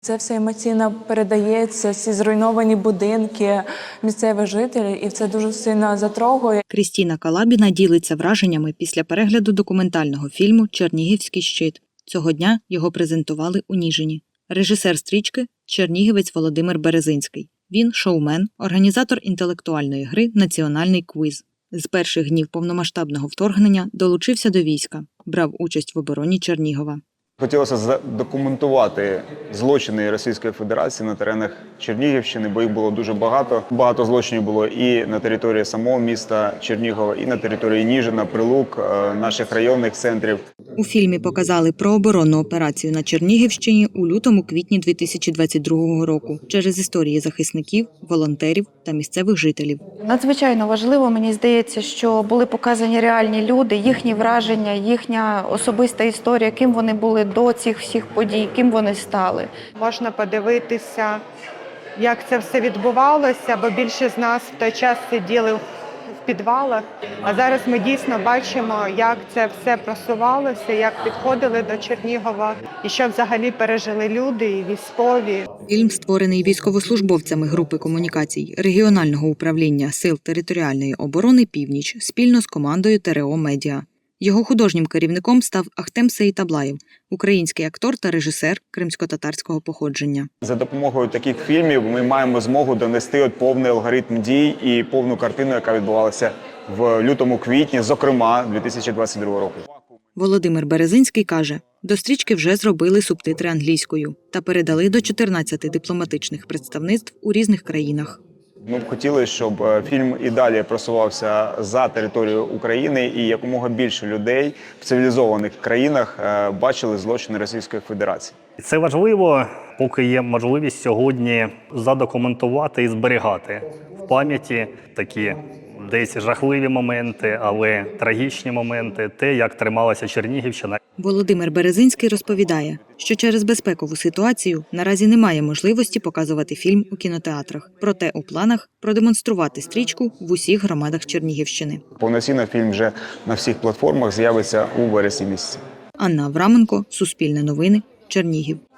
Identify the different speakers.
Speaker 1: Це все емоційно передається, ці зруйновані будинки місцевих жителів, і це дуже сильно затрогує.
Speaker 2: Крістіна Калабіна ділиться враженнями після перегляду документального фільму «Чернігівський щит». Цього дня його презентували у Ніжині. Режисер стрічки – чернігівець Володимир Березинський. Він – шоумен, організатор інтелектуальної гри «Національний квіз». З перших днів повномасштабного вторгнення долучився до війська, брав участь в обороні Чернігова.
Speaker 3: Хотілося задокументувати злочини Російської Федерації на теренах Чернігівщини, бо їх було дуже багато. Багато злочинів було і на території самого міста Чернігова, і на території Ніжина, Прилук, наших районних центрів.
Speaker 2: У фільмі показали про оборонну операцію на Чернігівщині у лютому-квітні 2022 року через історії захисників, волонтерів та місцевих жителів.
Speaker 4: Надзвичайно важливо, мені здається, що були показані реальні люди, їхні враження, їхня особиста історія, ким вони були до цих всіх подій, ким вони стали.
Speaker 5: Можна подивитися, як це все відбувалося, бо більшість з нас в той час сиділи в підвалах. А зараз ми дійсно бачимо, як це все просувалося, як підходили до Чернігова і що взагалі пережили люди і військові.
Speaker 2: Фільм створений військовослужбовцями групи комунікацій регіонального управління Сил територіальної оборони «Північ» спільно з командою ТРО «Медіа». Його художнім керівником став Ахтем Сеїтаблаєв, український актор та режисер кримсько-татарського походження.
Speaker 3: За допомогою таких фільмів ми маємо змогу донести повний алгоритм дій і повну картину, яка відбувалася в лютому-квітні, зокрема 2022 року.
Speaker 2: Володимир Березинський каже, до стрічки вже зробили субтитри англійською та передали до 14 дипломатичних представництв у різних країнах.
Speaker 3: Ми б хотіли, щоб фільм і далі просувався за територію України і якомога більше людей в цивілізованих країнах бачили злочини Російської Федерації.
Speaker 6: Це важливо, поки є можливість сьогодні задокументувати і зберігати в пам'яті такі десь жахливі моменти, але трагічні моменти, те, як трималася Чернігівщина.
Speaker 2: Володимир Березинський розповідає, що через безпекову ситуацію наразі немає можливості показувати фільм у кінотеатрах. Проте у планах продемонструвати стрічку в усіх громадах Чернігівщини.
Speaker 3: Повноцінно фільм вже на всіх платформах з'явиться у вересні місяці.
Speaker 2: Анна Авраменко, Суспільне новини, Чернігів.